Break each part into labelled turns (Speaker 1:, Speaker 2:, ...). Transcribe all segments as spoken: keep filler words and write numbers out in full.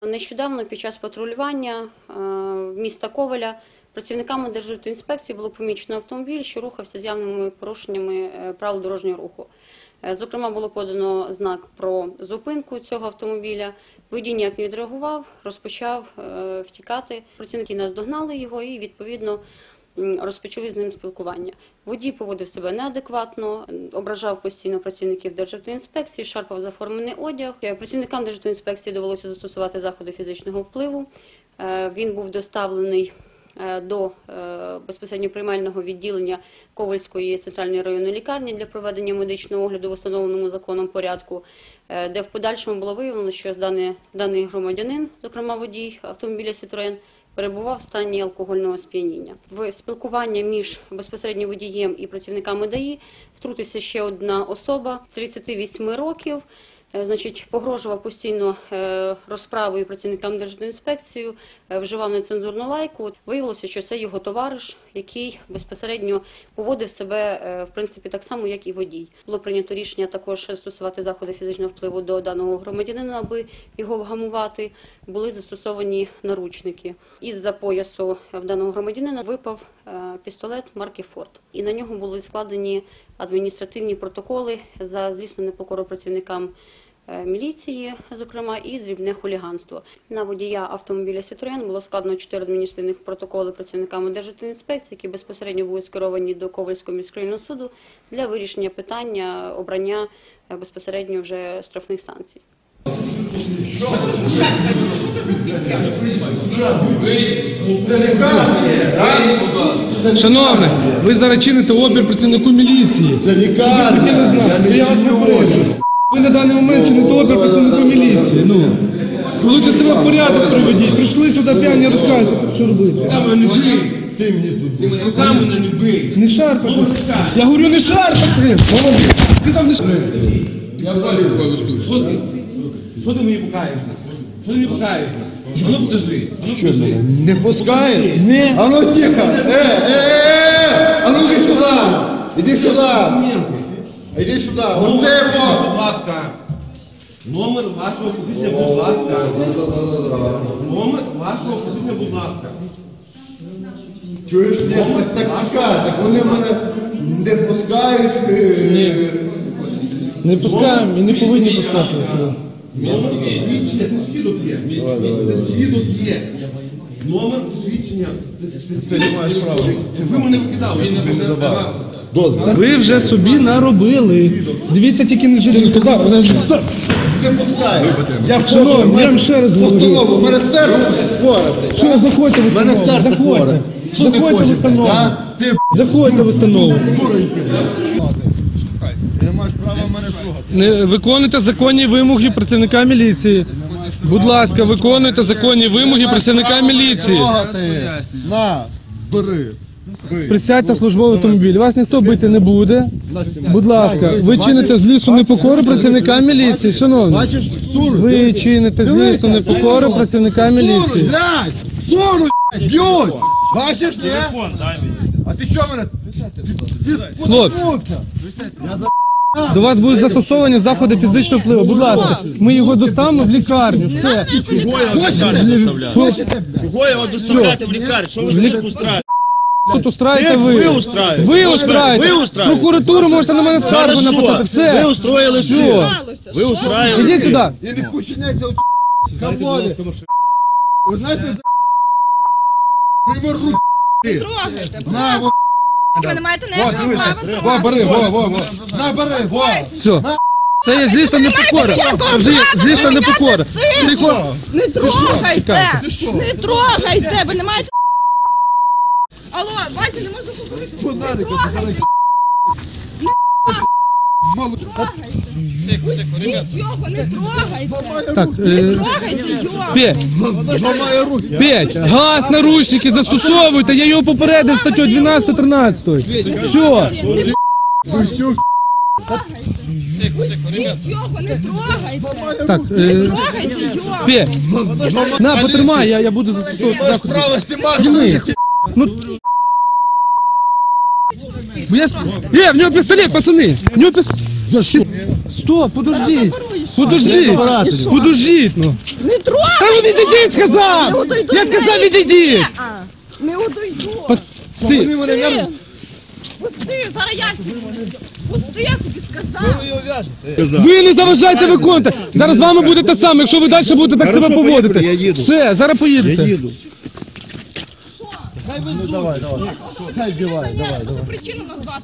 Speaker 1: Нещодавно під час патрулювання міста Ковеля працівниками Державтоінспекції було помічено автомобіль, що рухався з явними порушеннями правил дорожнього руху. Зокрема, було подано знак про зупинку цього автомобіля. Водій ніяк не відреагував, розпочав втікати. Працівники наздогнали його і, відповідно, розпочали з ним спілкування. Водій поводив себе неадекватно, ображав постійно працівників Державтоінспекції, шарпав заформений одяг. Працівникам Державтоінспекції довелося застосувати заходи фізичного впливу. Він був доставлений до безпосередньо приймального відділення Ковельської центральної районної лікарні для проведення медичного огляду в установленому законом порядку, де в подальшому було виявлено, що даний, даний громадянин, зокрема водій автомобіля «Сітроен», перебував в стані алкогольного сп'яніння. В спілкування між безпосередньо водієм і працівниками ДАІ втрутився ще одна особа тридцяти восьми років, значить, погрожував постійно розправою працівникам Державтоінспекції, вживав нецензурну лайку. Виявилося, що це його товариш, який безпосередньо поводив себе, в принципі, так само, як і водій. Було прийнято рішення також застосувати заходи фізичного впливу до даного громадянина, аби його вгамувати. Були застосовані наручники. Із-за поясу в даного громадянина випав пістолет марки «Форд». І на нього були складені адміністративні протоколи за злісну непокору працівникам міліції, зокрема, і дрібне хуліганство. На водія автомобіля «Сітроен» було складено чотири адміністративних протоколи працівниками Державтоінспекції, які безпосередньо були скеровані до Ковельського міськрайонного суду для вирішення питання обрання безпосередньо вже штрафних санкцій.
Speaker 2: Що це за шапка? Що це за лікарня?
Speaker 3: Шановний, ви зараз чините опір працівнику міліції.
Speaker 2: Це лікарня, я не чиню.
Speaker 3: Ви на даний момент чините опір працівнику міліції. Ну, лучше себе в порядок приведіть. Прийшли сюди п'яні розказувати, що робити.
Speaker 2: Руками не бий. Ти мені тут. Ти мене руками не бий.
Speaker 3: Не шарпати. Я говорю, не шарпати. Молодець. Ти там не шарпати.
Speaker 2: Я далі повестую.
Speaker 4: Що ти? Що ти мені покаєш? Що ти мені покаєш? А ну покажи.
Speaker 2: Що мене? Не пускаєш?
Speaker 3: Ні.
Speaker 2: А ну тихо. Е, е, е, а ну іди сюди. Іди сюди. Іди сюди. Оце його.
Speaker 4: Будь ласка. Номер вашого посвідчення, будь ласка. Номер вашого посвідчення, будь ласка.
Speaker 2: Чуєш? Ні, так, так чекай. Так вони мене не пускають.
Speaker 3: Ні. Не пускаємо і не повинні пускати сюди.
Speaker 4: Номер посвідчення, це свідок є. Це свідок є. Номер посвідчення.
Speaker 2: Ти не маєш права.
Speaker 4: Ви мене викидали.
Speaker 2: Дозвіл.
Speaker 3: Ви вже собі наробили. Дивіться, тільки не жити туди.
Speaker 2: Не пускаєш. Я
Speaker 3: Шановні, я вам ще раз говорю.
Speaker 2: постанову. У мене серце хворе.
Speaker 3: Все, заходьте в
Speaker 2: У мене
Speaker 3: установу.
Speaker 2: серце хворе.
Speaker 3: Заходьте.
Speaker 2: Що ти
Speaker 3: Заходьте в
Speaker 2: хочеш?
Speaker 3: установу.
Speaker 2: А? Ти
Speaker 3: Заходьте в установу.
Speaker 2: Ти не маєш права мене трогати.
Speaker 3: Не виконуйте законні вимоги працівника міліції. Будь ласка, виконуйте законні вимоги працівника міліції.
Speaker 2: На, бери. Бий.
Speaker 3: Присядьте в службовий автомобіль. Вас ніхто бити не буде. Будь ласка, ви чините злісну непокору працівника міліції, шановні.
Speaker 2: Бачиш, сур.
Speaker 3: Ви чините злісну непокору працівника міліції.
Speaker 2: Блядь, суру, б'ють. Бачиш, ні? А ти що мене?
Speaker 3: Хлопці, до вас будуть застосовані заходи фізичного впливу. Будь ласка, ми його доставимо в лікарню. Все.
Speaker 2: Хочете?
Speaker 5: Чого його доставляти в лікарню? Що ви тут устраєте?
Speaker 3: Тут устраєте ви.
Speaker 5: Ви устраєте.
Speaker 3: Ви устраєте.
Speaker 5: Ви устраєте.
Speaker 3: Прокуратуру можете на мене скаргу
Speaker 5: Хорошо.
Speaker 3: написати. Все.
Speaker 5: Ви устроїли все. Ви устраїли.
Speaker 3: Ідіть сюди.
Speaker 2: І не пущеняйте от хамлові. Ви знаєте, за пример руки.
Speaker 6: Трогайте,
Speaker 2: На, во,
Speaker 6: ви не маєте
Speaker 2: во,
Speaker 6: ніякого
Speaker 2: дивись.
Speaker 6: права
Speaker 2: Во,
Speaker 6: трогати.
Speaker 2: бери, во, во, во. На, бери, во.
Speaker 3: Все. Це є злісна непокора. Це вже є злісна непокора. Тихо.
Speaker 6: Не трогайте!
Speaker 3: Чекайте.
Speaker 2: Ти що?
Speaker 6: Не трогайте! Ви не маєте... Алло, бачите, не можна говорити. Не
Speaker 2: Фонарик,
Speaker 6: трогайте!
Speaker 2: Мало.
Speaker 6: Ідіть його, не трогайте!
Speaker 3: Так,
Speaker 6: Не
Speaker 3: е,
Speaker 6: трогайте його!
Speaker 3: Петь,
Speaker 2: Зламає руки.
Speaker 3: Петь, газ, наручники застосовуйте. Я його попередив статтю дванадцять тринадцять. Все.
Speaker 2: Ви що?
Speaker 6: Ідіть його, не трогайте!
Speaker 3: Так,
Speaker 6: Не
Speaker 3: е,
Speaker 6: трогайте його!
Speaker 3: Петь, на, потримай, я, я буду застосовувати
Speaker 2: Маєш
Speaker 3: заходи.
Speaker 2: право знімати.
Speaker 3: Зніми. Ну, бо я... Е, в нього пістолет, пацани! В нього пістолет!
Speaker 2: За що?
Speaker 3: Стоп, подождіть.
Speaker 6: Заборуй, що?
Speaker 3: Подождіть.
Speaker 5: забирати.
Speaker 6: І що?
Speaker 3: Подождіть, ну.
Speaker 6: Не трогай!
Speaker 3: Та ну відійдіть,
Speaker 6: Не
Speaker 3: сказав!
Speaker 6: одойду
Speaker 3: Я
Speaker 6: з
Speaker 3: сказав,
Speaker 6: неї.
Speaker 3: відійдіть!
Speaker 6: Ні, а, Не одойду!
Speaker 3: Пусти.
Speaker 6: Пусти! Пусти! Зараз я тобі пусти, я тобі сказав!
Speaker 3: Ви не заважайте виконувати. Зараз з вами буде те саме, якщо ви далі будете так
Speaker 5: Хорошо,
Speaker 3: себе
Speaker 5: поїхали,
Speaker 3: поводити.
Speaker 5: я їду.
Speaker 3: Все, зараз
Speaker 5: Я
Speaker 3: поїдете.
Speaker 5: їду.
Speaker 2: Ну давай, давай. Хай вдівай, давай,
Speaker 6: Що
Speaker 2: давай.
Speaker 6: причину назвати?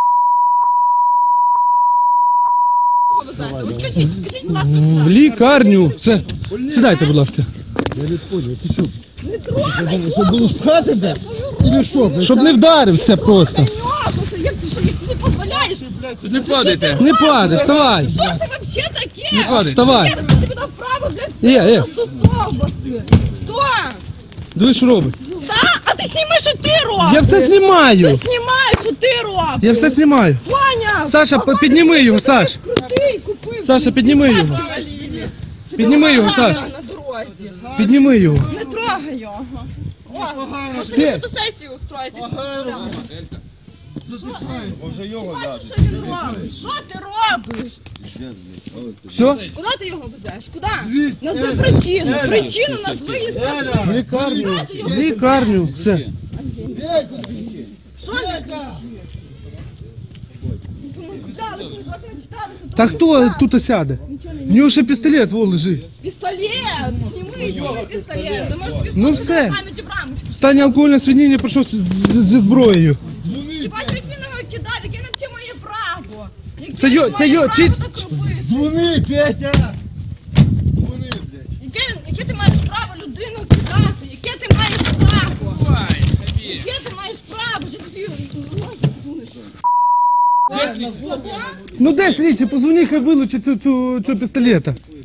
Speaker 6: От скажіть, скажіть, будь ласка,
Speaker 3: В
Speaker 6: куди?
Speaker 3: лікарню. Все. Сідайте, будь ласка.
Speaker 2: Я не понял, ти що?
Speaker 6: Не трогай!
Speaker 2: Щоб було спхати, блядь? Или що, блядь?
Speaker 3: Щоб не вдарився просто.
Speaker 6: Нюхався, як ти що, як ти не дозволяєш?
Speaker 3: Не падайте. Не падай, вставай.
Speaker 6: Що це вообще таке?
Speaker 3: Не падай. Вставай.
Speaker 6: Я тобі дав право, блядь,
Speaker 3: Е, е.
Speaker 6: стосовувати. Хто?
Speaker 3: Диви, що робить.
Speaker 6: Да? А ти зніми, що ти робиш?
Speaker 3: Я все знімаю.
Speaker 6: Ти знімаєш, що ти робиш?
Speaker 3: Я все знімаю.
Speaker 6: Ваня!
Speaker 3: Саша,
Speaker 6: а
Speaker 3: підніми його, Саш.
Speaker 6: Крутий, купив.
Speaker 3: Саша, підніми його. Підніми його, Саш.
Speaker 6: На дорозі.
Speaker 3: Підніми його.
Speaker 6: Не трогай його. О, може
Speaker 3: Де?
Speaker 6: мені фотосесію устроїти?
Speaker 2: Може його
Speaker 6: Бачиш,
Speaker 2: дати.
Speaker 6: що він робить? Що ти робиш?
Speaker 3: Все?
Speaker 6: Куди ти його везеш? Куди? Назви причину. Причину назви і
Speaker 3: В
Speaker 6: скажи.
Speaker 3: лікарню. В лікарню. Все.
Speaker 6: Що ти? Ми купляли книжок, ми читали. що
Speaker 3: Та
Speaker 6: там
Speaker 3: хто
Speaker 6: є.
Speaker 3: тут сяде? В нього ще пістолет, во, лежить.
Speaker 6: Пістолет! Зніми його пістолет. Ти можеш собі
Speaker 3: Ну
Speaker 6: сфоткати
Speaker 3: все.
Speaker 6: на пам'яті в рамочку.
Speaker 3: В стані алкогольного сп'яніння прийшов з- з- зі зброєю.
Speaker 6: Ти бачиш, як він його кидав, яке на це моє право. Яке
Speaker 3: Це йо-
Speaker 6: він
Speaker 3: це
Speaker 6: має
Speaker 3: йо-
Speaker 6: право
Speaker 3: чи-
Speaker 6: так робити?
Speaker 2: Дзвони, Петя! Дзвони, блядь.
Speaker 6: Яке, яке ти маєш право людину кидати? Яке ти маєш право? Яке ти маєш право? Чи ти свій розум будеш?
Speaker 3: Ну де слідчі, позвони, хай вилучить цю, цю, цю пістолета.